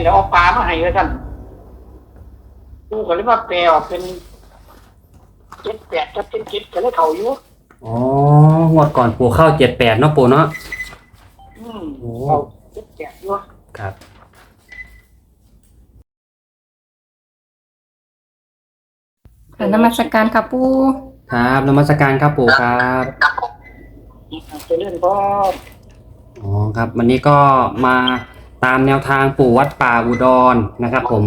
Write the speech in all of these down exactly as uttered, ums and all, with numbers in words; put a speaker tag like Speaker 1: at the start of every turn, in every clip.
Speaker 1: เดี๋ยวเอาปลามาให้เลยท่านปูก็เลยว่าแปลออกเป็นเจ็ดแปดกับเจ็ดเจ็ดก็เลยเขาอยู่
Speaker 2: อ๋องวดก่อนปู่เข้าเจ็ดแปดเนาะปู่เนาะ
Speaker 1: อืมเขาเจ็ดแปดอยู่
Speaker 2: ครับ
Speaker 3: ค่ะนมัสการค่ะปู่
Speaker 2: ครับนมัสการครับปู่ครับ
Speaker 1: จะเล่นก็
Speaker 2: อ๋อครับวันนี้ก็มาตามแนวทางปู่วัดป่าอุดรนะครับผม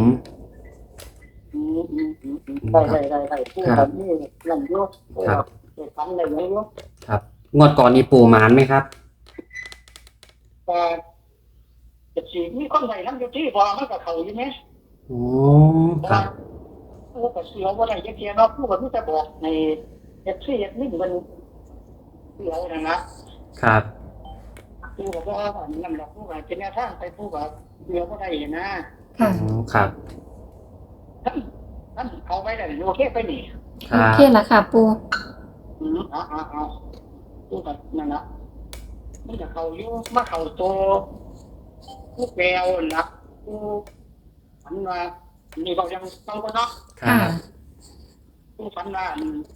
Speaker 1: ได้ได้ได้ได้ผู้แบบนี้หลังยุกครับเกิดทำอะไรอย่างนี้
Speaker 2: ครับงวดก่อนนี้ปู่หมานไหมครับ
Speaker 1: แต่จะสีมีคนใดทั้งอยู่ที่พอมันกับเขาอยู่ไหม
Speaker 2: โอ้ครับ
Speaker 1: ผู้กับเสียวว่าไหนเทียนเนาะผู้กับผู้จะบอกในเอฟซีเอฟนี่มันเสียวนะครับผู้กับว่านั่นแหละผู้กับเป็นแนวทางไปผู้กับเสียวว่าไหนนะ
Speaker 3: ค่ะ
Speaker 2: ครับ
Speaker 1: ท่านท่านเอาไว้ได้โอเคไปนี่
Speaker 3: โอเคละค่ะปู่
Speaker 1: อืมอ๋ออ๋ออ๋อผู้กับนั่นละมันจะเขาอยู่มาเขาโตผู้แปลวนะผู้ฝันว่านี่เรายังต้องก็เนาะ
Speaker 2: ค่ะ
Speaker 1: ผู้ฝันว่า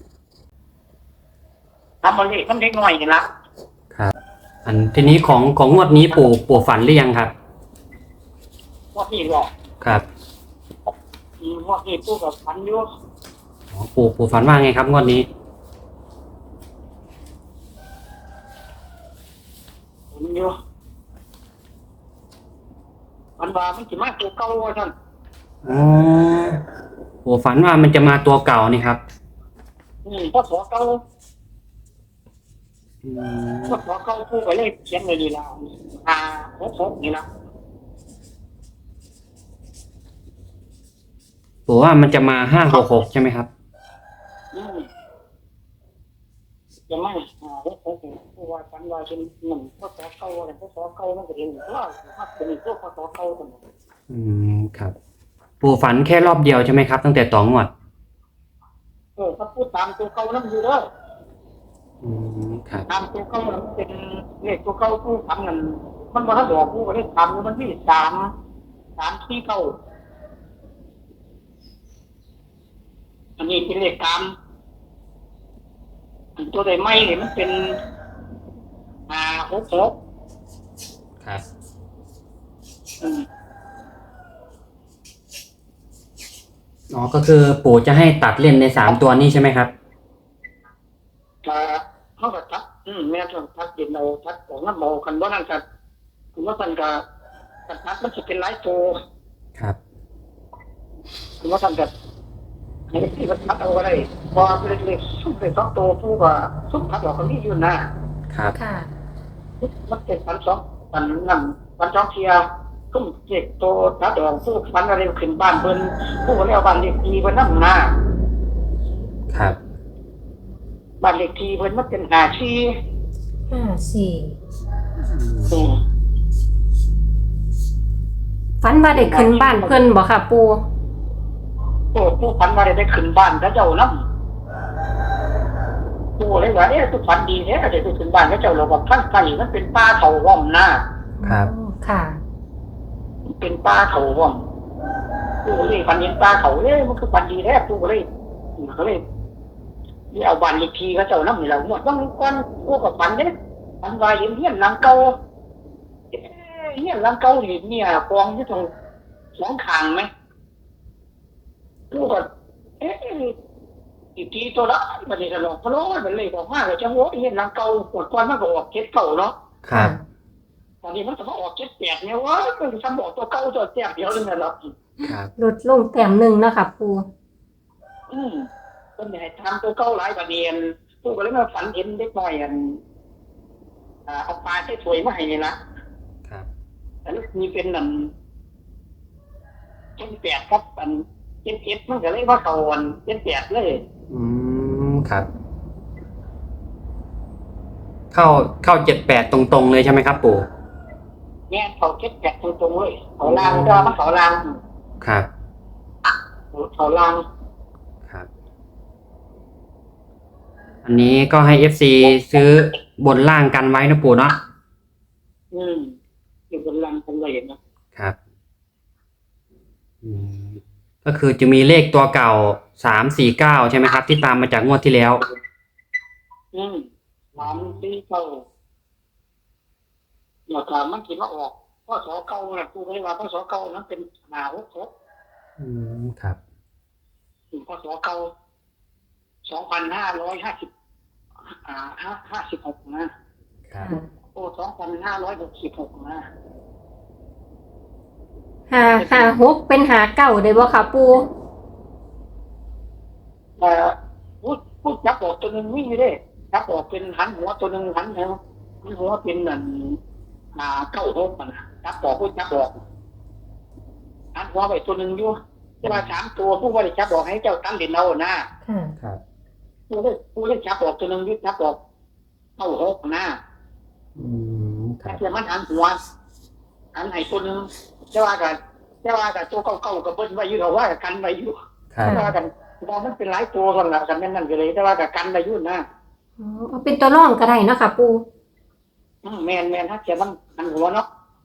Speaker 1: ทำบริษัทเล็กน้อยนี่ละ
Speaker 2: ครับอันทีนี้ของของงวดนี้ปู่ปู่ฝันหรือยังครับ
Speaker 1: งวดนี้หรอ
Speaker 2: ครับ
Speaker 1: งวดนี้ปู่กับฝันอยู่
Speaker 2: อ๋อปู่ปู่ฝันว่าไงครับงวดนี้
Speaker 1: ฝันอยู่ฝันว่ามันจะมาตัวเก่าท่าน
Speaker 2: อ๋อปู่ฝันว่ามันจะมาตัวเก่านี่ครับ
Speaker 1: อืมพอสอเก่าพอสอเก่าปู่ก็เลยเขียนไว้นี่ละอ่าหกหกนี่ละ
Speaker 2: ปู่ว่ามันจะมาห้าหกหกใช่ไหมครับ
Speaker 1: อืมจะไม่อ่าหกหกปู่ว่าฝันว่าเป็นหนึ่งพอสอเก่าอะไรพอสอเก่ามันก็เห็นว่าถ้าเป็นตัวพอสอเก่าตัวนั้น
Speaker 2: อืมครับปู่ฝันแค่รอบเดียวใช่ไหมครับตั้งแต่ต่องวด
Speaker 1: เออถ้าพูดตามตัวเก่านั่นอยู่เด้อ
Speaker 2: อืมครับ
Speaker 1: ตามตัวเก่ามันเป็นเลขตัวเก่าผู้ทำนั่นมันบ่ทันดอกผู้ก็ได้ทำมันที่สามสามที่เก้าอันนี้เป็นเลขตามอันตัวใดไม่เนี่ยมันเป็นอ่าหกหก
Speaker 2: ครับ
Speaker 1: อืม
Speaker 2: อ๋อก็คือปู่จะให้ตัดเล่นในสามตัวนี้ใช่ไหมครับ
Speaker 1: อ่าเขาก็ทักอืมแม่ต้องทักเด่นเอาทักของน้ำเมากันว่านั่นกันคุณว่าท่านกับกันทักมันจะเป็นหลายตัว
Speaker 2: ครับ
Speaker 1: คุณว่าท่านกับในที่มันทักเอาอะไรพอเป็นเล็กๆซุ่มเป็นสองตัวผู้ว่าซุ่มทักออกคนนี้อยู่นะครับ
Speaker 3: ค่ะ
Speaker 1: มันเป็นพันสองพันนั่นพันสองเทียซุ่มเจ็กตัวทักออกผู้พันอะไรขึ้นบ้านเพิ่นผู้ก็เรียกบ้านเล็กทีเพิ่นนั่งหน้า
Speaker 2: ครับ
Speaker 1: บ้านเล็กทีเพิ่นมันเป็นหาชี
Speaker 3: ห้าสี่ฝันว่าได้ขึ้นบ้านเพิ่นบ่ค่ะปู่
Speaker 1: โอ้ผู้ฝันว่าได้ขึ้นบ้านแล้วเจ้าน้ำผู้เลยว่าเอ๊ะผู้ฝันดีแท้ก็ได้ขึ้นบ้านแล้วเจ้าเราบอกท่านไก่มันเป็นป้าเขาว่อมหน้า
Speaker 2: ครับ
Speaker 3: ค่ะ
Speaker 1: เป็นป้าเขาว่อมผู้เลยฝันเห็นป้าเขาเลยมันคือฝันดีแท้ผู้เลยเขาเลยนี่เอาบ้านเล็กทีเขาเจ้าน้ำนี่เราหมดบางก้อนผู้กับฝันเนี่ยฝันว่าเห็นเฮียนหลังเก่าเฮียนหลังเก่าเห็นเนี่ยกองที่ตรงสองข้างไหมผู้ก็เอ๊ะอีกทีตัวละมันนี่ตลอดเพราะว่ามันเลยบอกว่าเราจะโว้เห็นหลังเก่าปวดก้อนมันก็ออกเจ็ดเก่าเนาะ
Speaker 2: ครับ
Speaker 1: ตอนนี้มันจะมาออกเจ็ดแปดเนี่ยว่ามันจะบอกตัวเก่าตัวแต้มเดียวเลยนะหรอ
Speaker 2: ครับ
Speaker 3: ลดลงแต้มหนึ่งนะคะปู่
Speaker 1: อืมต้นใหญ่ทำตัวเก่าหลายประเด็นผู้ก็เลยมาฝันเห็นเด็กน้อยอันอ่าเอาปลาใส่ถ้วยมาให้นี่นะครับแต่ลูกมีเป็นนั่นเจ็ดแปดครับอันเจ็ดเจ็ดมันก็เลยว่าเขาอันเจ็ดแปดเลย
Speaker 2: อืมครับเข้าเข้าเจ็ดแปดตรงๆเลยใช่ไหมครับปู่
Speaker 1: แง่เขาเจ็ดแปดตรงๆเลยเขาลางก็มาเขาลาง
Speaker 2: ครับ
Speaker 1: เขาลาง
Speaker 2: ครับอันนี้ก็ให้ เอฟ ซี ซื้อบนล่างกันไว้นะปู่เนาะ
Speaker 1: อืมอยู่บนลางกันเลยนะครับ
Speaker 2: อืมก็คือจะมีเลขตัวเก่าสามสี่เก้าใช่ไหมครับ ที่ตามมาจากงวดที่แล้ว
Speaker 1: อืมสามสี่เก้าเดี๋ยวถามมันคิดว่าออกพ่อสอเก่าน่ะกูไม่ได้ว่าพ่อสอเก่านั้นเป็นหนาหกหก
Speaker 2: อืมครับ
Speaker 1: พ่อสอเก่าสองพันห้าร้อยห้าสิบอ่าห้าห้าสิบหกนะครับ โอ้สองพันห้าร้อยหกสิบหกนะ
Speaker 3: หาหาหกเป็นหาเก่าได้บ่ค่ะปู
Speaker 1: เอ่อพูดพูดจับออกตัวหนึ่งวิ่งไม่ได้จับออกเป็นหันหัวตัวหนึ่งหันหัวหันหัวเป็นนั่นอ่าเก้าหกมันนะจับออกพูดจับออกหันหัวไปตัวหนึ่งอยู่จะมาสามตัวผู้ว่าได้จับออกให้เจ้าตั้งเด่นเอานะ
Speaker 3: ค่ะ
Speaker 2: ครับ
Speaker 1: ผู้ได้ผู้ได้จับออกตัวหนึ่งยึดจับออกเก้าหกนะ
Speaker 2: อืมครั
Speaker 1: แต่
Speaker 2: บ
Speaker 1: เพียงมันหันหัวหันให้ตัวหนึ่งจะว่ากันจะว่ากันตัวเก้าเก้ากับเบิ้ลไว้อยู่เราว่ากันไว้อยู่
Speaker 2: ครับ
Speaker 1: จะว่ากันมองมันเป็นหลายตัวกันละกันนั่นนั่นก็เลยแต่ว่ากับกันไว้อยู่นะ
Speaker 3: อ๋อเอาเป็นตัวร่องก็ได้เนาะค่ะปู
Speaker 1: อืมแมนแมนถ้าเสียมันหันหัวเนาะ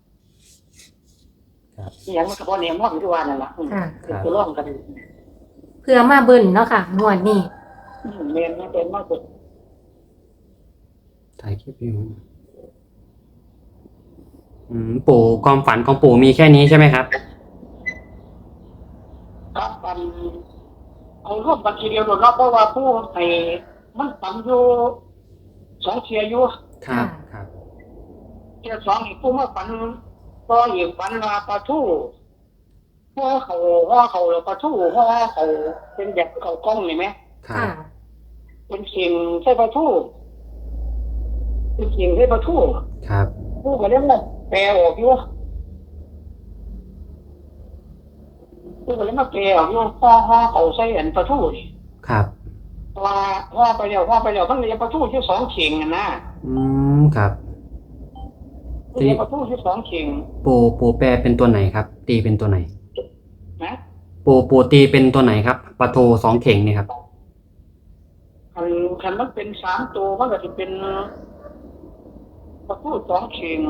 Speaker 2: ครับ
Speaker 1: นี่ยังมันกระเพาะเนี่ยมองที่ว่านั่นแหละอืม
Speaker 3: ค่ะ
Speaker 1: เป็นตัวร่องกัน
Speaker 3: เพื่อมาเบิ่นเนาะค่ะงวดนี้
Speaker 1: อืมแมนไม่เป็นมากสุด
Speaker 2: ถ่ายคลิปอยู่อืมปู่ความฝันของปู่มีแค่นี้ใช่ไหมครับ
Speaker 1: ครับปันเอารวบบัญชีเดียวโดดรอบเพราะว่าผู้ให้มันปันอยู่สองเชียร์อยู่
Speaker 2: ครับครับ
Speaker 1: เชียร์สองอีกผู้มาปันก็อีกปันมาปลาทู่ห่อเขาห่อเขาแล้วปลาทู่ห่อเขาเป็นแบบเขากล้องเห็นไหม
Speaker 2: ครับ
Speaker 1: เป็นเข่งใช่ปลาทู่เป็นเข่งใช่ปลาทู่
Speaker 2: ครับ
Speaker 1: ผู้ก็เรียกว่าแปลออกอยู่ผู้ก็เรียกว่าแปลออกอยู่ห่อห่อเขาใส่อันปลาทู่นี่
Speaker 2: ครับ
Speaker 1: ว่าห่อไปแล้วห่อไปแล้วมันเรียกปลาทู่ที่สองเข่งนะนะ
Speaker 2: อืมครับ
Speaker 1: เรียกปลาทู่ที่สองเข่ง
Speaker 2: ปู่ปู่แปลเป็นตัวไหนครับ ตีเป็นตัวไหน
Speaker 1: นะ
Speaker 2: ปู่ปู่ตีเป็นตัวไหนครับปลาโทสองเข่งเนี่ยครับ
Speaker 1: คันคันมันเป็นสามตัวมันก็จะเป็นปลาทู่สองเข่ง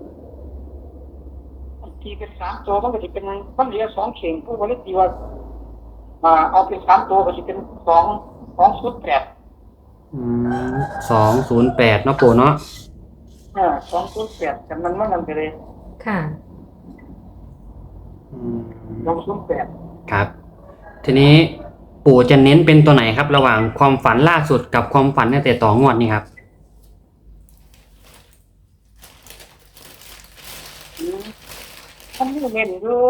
Speaker 1: ทีเป็นสามตัวมันก็จะเป็นมันเหลือสองเข่งผู้บริตีว่าอ่าเอาเป็นสามตัวก็จะเป็นสองสองชุดแปด
Speaker 2: อืมสองศูนย์แปดเนาะปู่เนาะ
Speaker 1: อ่าสองชุดแปดแต่มันมันนั่นไปเลย
Speaker 3: ค่ะ
Speaker 2: อืม
Speaker 1: สองชุดแปด
Speaker 2: ครับ ทีนี้ปู่จะเน้นเป็นตัวไหนครับ ระหว่างความฝันล่าสุดกับความฝันตั้งแต่ต่องวดนี่ครับ
Speaker 1: อืมมันมีเน้นอยู่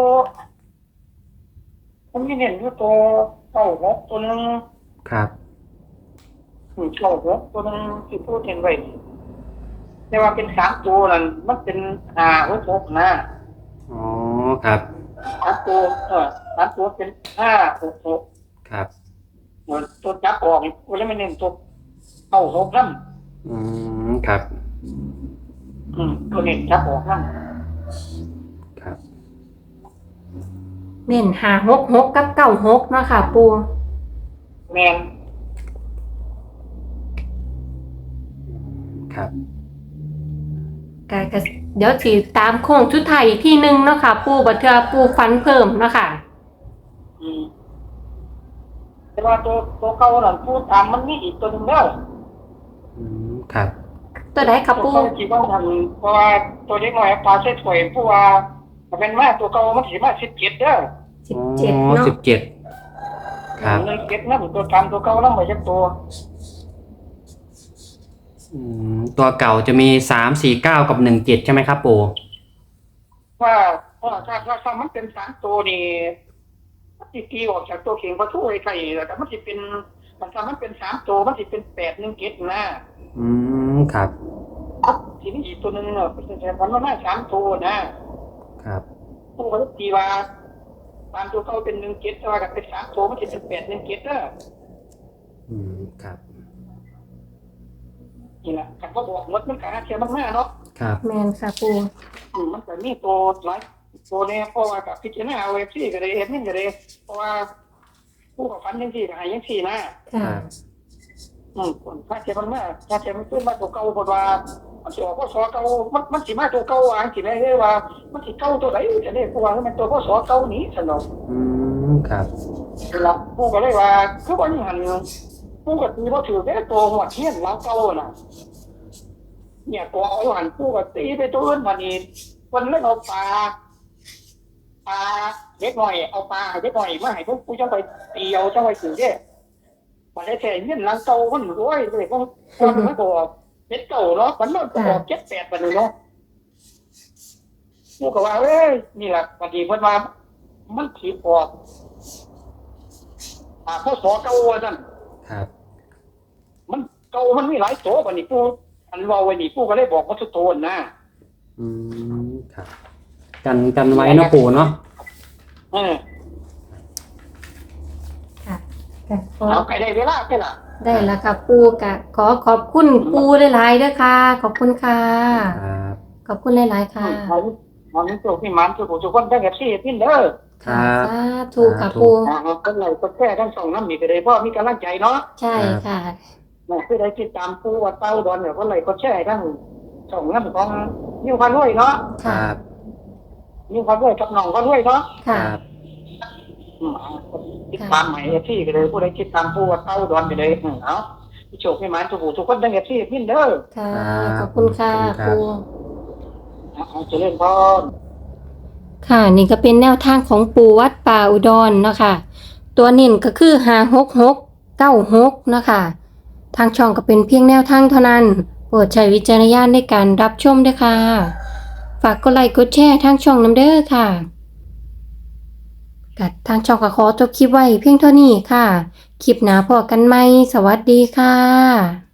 Speaker 1: มันมีเน้นอยู่ตัวเก้าหกตัวหนึง
Speaker 2: ครับ
Speaker 1: อืมเก้าหกตัวหนึงที่พูดเห็นไว้แต่ว่าเป็นสามตัวนั่นมันเป็นห้าหกหกนะ
Speaker 2: อ๋อครับ
Speaker 1: สามตัวเออสามตัวเป็นห้าหกหก
Speaker 2: ครับ
Speaker 1: เหมือนตัวจับออกกูเลยไม่เน้นตัวเก้าหกนั่น
Speaker 2: อืมครับ
Speaker 1: อืมตัวเน้นจับออกนั่น
Speaker 2: ครับ
Speaker 3: เน้นหาหกหกกับเก้าหกเนาะค่ะปู
Speaker 1: แมน
Speaker 2: ครับ
Speaker 3: กะกะเดี๋ยวสิตามโค้งชุดไทายอีกที่หนึ่งเนาะค่ะ ปูบัดเทื่อปูฟันเพิ่มเนาะค่ะ
Speaker 1: อืมแต่ว่าตัวตัวเก่านั่นพูดตามมันมีอีกตัวหนึงแล้ว
Speaker 2: อืมครับ
Speaker 3: ตัวใดค่ะ
Speaker 1: ตัว
Speaker 3: ปู
Speaker 1: เก่าที่ว่าทำเพราะว่าตัวเล็กน้อยปลาใส่ถ้วยผู้ว่าถ้าเป็นมาตัวเก่ามันสิมาสิบเจ็ดเด้อ
Speaker 3: สิบเจ็ด
Speaker 2: อ๋อ
Speaker 3: เนาะ
Speaker 2: สิบเจ็ดครับ
Speaker 1: หนึ่งเจ็ดนั่นตัวตามตัวเก่านั่นไปจักตัว
Speaker 2: อืมตัวเก่าจะมีสามสี่เก้ากับหนึ่งเจ็ดใช่ไหมครับปู่
Speaker 1: ว่าว่าถ้าถ้าถ้ามันเป็นสามตัวนี่มันสิตีออกจากตัวเข่งประตูไอ้ไข่แล้วแต่มันสิเป็นมันถ้ามันเป็นสามตัวมันสิเป็นแปดหนึ่งเจ็ดนะ
Speaker 2: อืมครับ
Speaker 1: ทีนี้อีกตัวหนึงเนาะเป็นแต่มันมาสามตัวนะครับ ผู้ว่าตีว่าตามตัวเก่าเป็นหนึ่งเจ็ดแต่ว่ากับเป็นสามตัวมันสิเป็นแปดหนึ่งเจ็ดเด้อ
Speaker 2: อืมครับ
Speaker 1: นี่แหละคันว่าบอกหมดมันก็หาเทียมันมาเนาะ
Speaker 2: ครับ
Speaker 3: แมนค่ะปู
Speaker 1: อืมมันก็มีตัวหลายตัวเนี่ยเพราะว่ากับพิจารณาเอาเอฟซีก็ได้เอฟนี่ก็ได้เพราะว่าผู้กับฟันยังสี่หายยังสี่นะ
Speaker 3: ค่ะ
Speaker 2: ครับ
Speaker 1: อืมคนถ้าเทียมันมาถ้าเทียมันขึ้นมาตัวเก่าคนว่ามันสิออกพศเก่ามันมันสิมาตัวเก่าอ่ะสิได้เลยว่ามันสิเก่าตัวไหนจะได้กูว่ามันตัวพศเก่านี้สนอง
Speaker 2: อืมครับ
Speaker 1: นั่นล่ะกูก็เลยว่าคือว่าอย่างนั้นกูก็ตีบ่ถือแค่ตัวหัวเทียนหลังเก่าน่ะเนี่ยตัวเอาหันกูก็ตีไปตัวอื่นวันนี้วันเล่นเอาปลาปลาเล็กหน่อยเอาปลาเล็กหน่อยมาให้พวกกูจังไปตีเอาจังไปถือเด้วันได้แค่เงี้ยหลังเก่ามันรวยเลยพวกคนมันก็เจ็ดเก่าเนาะมันมันก็เจ็ดแปดวันนี้เนาะกูก็ว่าเอ้ยนี่แหละวันนี้เพิ่นว่ามันสิออกอ่าพศเก่าว่าซั่น
Speaker 2: ครับ
Speaker 1: มันเก่ามันมีหลายโตบัดนี้กูอันเว้าไว้นี่กูก็เลยบอกว่าสุโตนนะ
Speaker 2: อืมครับกันกันไว้เนาะปู่เนาะ
Speaker 1: เออ
Speaker 3: ค่ะก็ขอ
Speaker 1: เอาไปได้เวลาไปล่ะ
Speaker 3: ได้แล้วค่ะปูกะขอขอบคุณปูหลายๆเด้อค่ะ ขอบคุณค่ะ
Speaker 2: ครับ
Speaker 3: ขอบคุณหลายๆค่ะ
Speaker 1: เอาเอามันตัวพี่มันตัวทุกคนได้แบบซี่พินเด้อ
Speaker 2: ครับ
Speaker 3: สาธุค่ะปู
Speaker 1: อ่าคนไหนก็แค่ทั้งสองน้ำมีก็ได้เพราะมีกำลังใจเนาะ
Speaker 3: ใช่ค่ะ
Speaker 1: นะคือได้ติดตามผู้ว่าเต้าดอนเนี่ยคนไหนก็แช่ทั้งสองน้ำของนิ้วพันด้วยเนาะ
Speaker 2: ค
Speaker 3: ค่ะ
Speaker 2: รับ
Speaker 1: นิ้วพันด้วยกับน้องพันด้วยเนาะ
Speaker 2: ค
Speaker 3: ค่ะ
Speaker 2: รับ
Speaker 1: อืมเอาติดตามใหม่ที่ก็เลยผู้ใดติดตามผู้ว่าเต้าดอนไปเลยอืมเอาพี่โชคพี่มันทุกผู้ทุกคนได้แบบซี่พินเด้อ
Speaker 3: ค่ะ ขอบคุณค่ะปู
Speaker 1: เอาเจริญพร
Speaker 3: ค่ะนี่ก็เป็นแนวทางของปูวัดป่าอุดรเนาะค่ะ ตัวเน้นก็คือห้าหกหกเก้าหกเนาะค่ะ ทางช่องก็เป็นเพียงแนวทางเท่านั้น โปรดใช้วิจารณญาณในการรับชมด้วยค่ะ ฝากกดไลค์กดแชร์ทางช่องน้ำเด้อค่ะกัดทางช่องก็ขอจบคลิปไว้เพียงเท่านี้ค่ะ คลิปหน้าพอกันไหมสวัสดีค่ะ